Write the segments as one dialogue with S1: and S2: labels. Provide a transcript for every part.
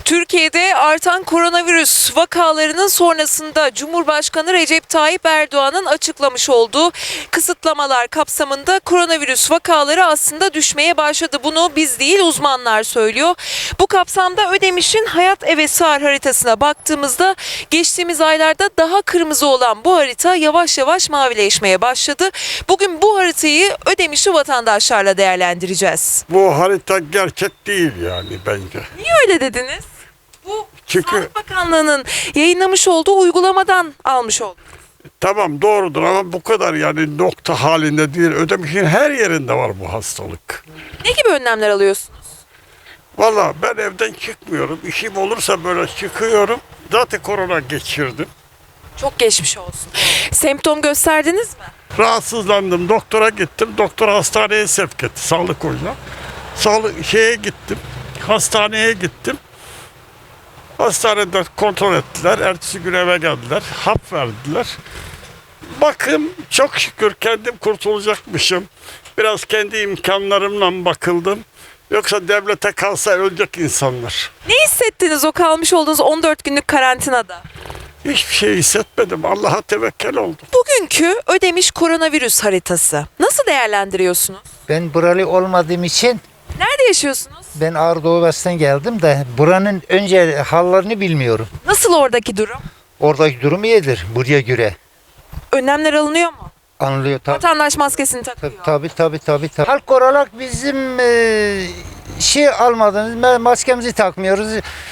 S1: Türkiye'de artan koronavirüs vakalarının sonrasında Cumhurbaşkanı Recep Tayyip Erdoğan'ın açıklamış olduğu kısıtlamalar kapsamında koronavirüs vakaları aslında düşmeye başladı. Bunu biz değil uzmanlar söylüyor. Bu kapsamda Ödemiş'in Hayat Eve Sığar haritasına baktığımızda geçtiğimiz aylarda daha kırmızı olan bu harita yavaş yavaş mavileşmeye başladı. Bugün bu haritayı Ödemiş'i vatandaşlarla değerlendireceğiz.
S2: Bu harita gerçek değil yani bence.
S1: Niye öyle dediniz? Bu
S2: Çünkü-
S1: Sağlık Bakanlığı'nın yayınlamış olduğu uygulamadan almış olduk.
S2: Tamam doğrudur ama bu kadar yani nokta halinde değil. Ödemiş'in her yerinde var bu hastalık.
S1: Ne gibi önlemler alıyorsunuz?
S2: Valla ben evden çıkmıyorum. İşim olursa böyle çıkıyorum. Zaten korona geçirdim.
S1: Çok geçmiş olsun. Semptom gösterdiniz mi?
S2: Rahatsızlandım. Doktora gittim. Doktor hastaneye sevk etti. Sağlık ocağına. Gittim. Hastaneye gittim. Hastanede kontrol ettiler. Ertesi gün eve geldiler. Hap verdiler. Bakım çok şükür kendim kurtulacakmışım. Biraz kendi imkanlarımla bakıldım. Yoksa devlete kalsa ölecek insanlar.
S1: Ne hissettiniz o kalmış olduğunuz 14 günlük karantinada?
S2: Hiçbir şey hissetmedim. Allah'a tevekkül oldum.
S1: Bugünkü Ödemiş koronavirüs haritası nasıl değerlendiriyorsunuz?
S3: Ben buralı olmadığım için
S1: Nerede yaşıyorsunuz?
S3: ben Ağrı Doğu Ovası'ndan geldim de buranın önce hallerini bilmiyorum.
S1: Nasıl oradaki durum?
S3: Oradaki durum iyidir buraya göre.
S1: Önlemler alınıyor mu?
S3: Anlıyor tabii.
S1: Vatandaş maskesini takıyor.
S3: Tabii. Halk olarak bizim şey almadığımız maskemizi takmıyoruz.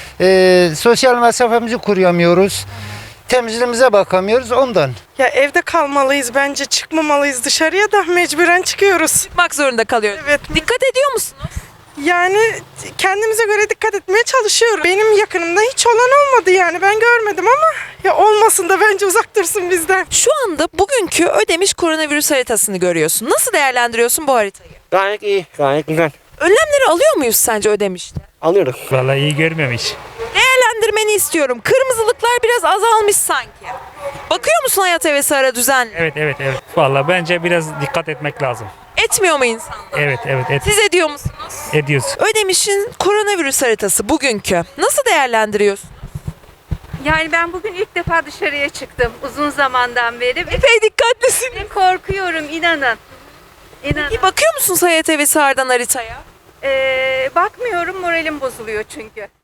S3: Sosyal mesafemizi koruyamıyoruz. Temizliğimize bakamıyoruz ondan.
S4: Ya evde kalmalıyız bence, çıkmamalıyız dışarıya da mecburen çıkıyoruz.
S1: Çıkmak zorunda kalıyoruz.
S4: Evet.
S1: Dikkat ediyor musunuz?
S4: Yani kendimize göre dikkat etmeye çalışıyoruz. Benim yakınımda hiç olan olmadı yani ben görmedim ama ya olmasın da bence uzak dursun bizden.
S1: Şu anda bugünkü Ödemiş koronavirüs haritasını görüyorsun. Nasıl değerlendiriyorsun bu haritayı?
S5: Gayet iyi, gayet güzel.
S1: Önlemleri alıyor muyuz sence Ödemiş'te?
S5: Alıyoruz.
S6: Vallahi iyi görmüyorum hiç.
S1: Değerlendirmeni istiyorum. Kırmızılıklar biraz azalmış sanki. Bakıyor musun Hayat Eve Sığar'a düzenli?
S6: Evet. Vallahi bence biraz dikkat etmek lazım.
S1: Etmiyor mu insanlar?
S6: Evet.
S1: Siz ediyor musunuz?
S6: Ediyoruz.
S1: Ödemiş'in koronavirüs haritası bugünkü. Nasıl değerlendiriyorsun?
S7: Yani ben bugün ilk defa dışarıya çıktım uzun zamandan beri.
S1: Epey dikkatlisin.
S7: Ve korkuyorum inanın. İnanın.
S1: İyi bakıyor musunuz Hayat Evi Sığar'dan haritaya?
S7: Bakmıyorum moralim bozuluyor çünkü.